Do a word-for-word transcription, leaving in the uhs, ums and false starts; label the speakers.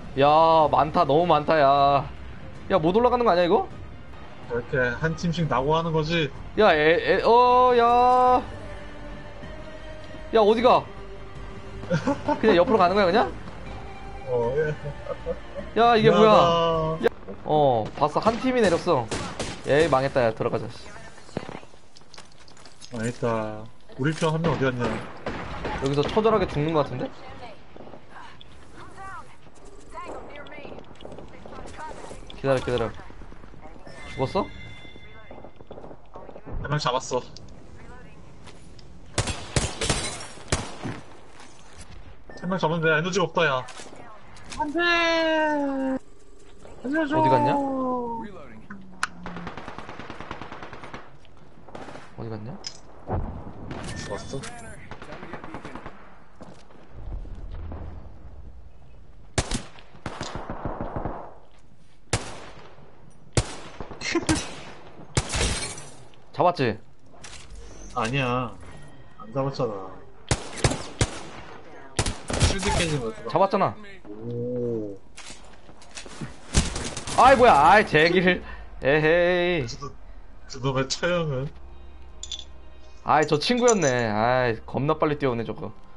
Speaker 1: 야, 많다. 너무 많다, 야. 야, 못 올라가는 거 아니야, 이거?
Speaker 2: 이렇게 한 팀씩 나고 하는 거지.
Speaker 1: 야, 에, 에, 어, 야. 야, 어디가? 그냥 옆으로 가는 거야, 그냥?
Speaker 2: 어, 예.
Speaker 1: 야, 이게 뭐야?
Speaker 2: 미안하다.
Speaker 1: 야, 어, 봤어. 한 팀이 내렸어. 에이, 망했다, 야. 들어가자, 씨.
Speaker 2: 망했다. 우리 편 한 명 어디 갔냐?
Speaker 1: 여기서 처절하게 죽는 거 같은데? 기다려, 기다려. 죽었어?
Speaker 2: 한 명 잡았어. 한 명 잡았는데 에너지가 없다, 야. 안 돼! 알려줘!
Speaker 1: 어디 갔냐? 어디 갔냐?
Speaker 2: 죽었어?
Speaker 1: 잡았지?
Speaker 2: 아니야. 안 잡았잖아. 쉴드 깨진 거였어.
Speaker 1: 잡았잖아.
Speaker 2: 오.
Speaker 1: 아이, 뭐야. 아이, 제길. 에헤이.
Speaker 2: 저, 저놈의 처형은?
Speaker 1: 아이, 저 친구였네. 아이, 겁나 빨리 뛰어오네, 저거.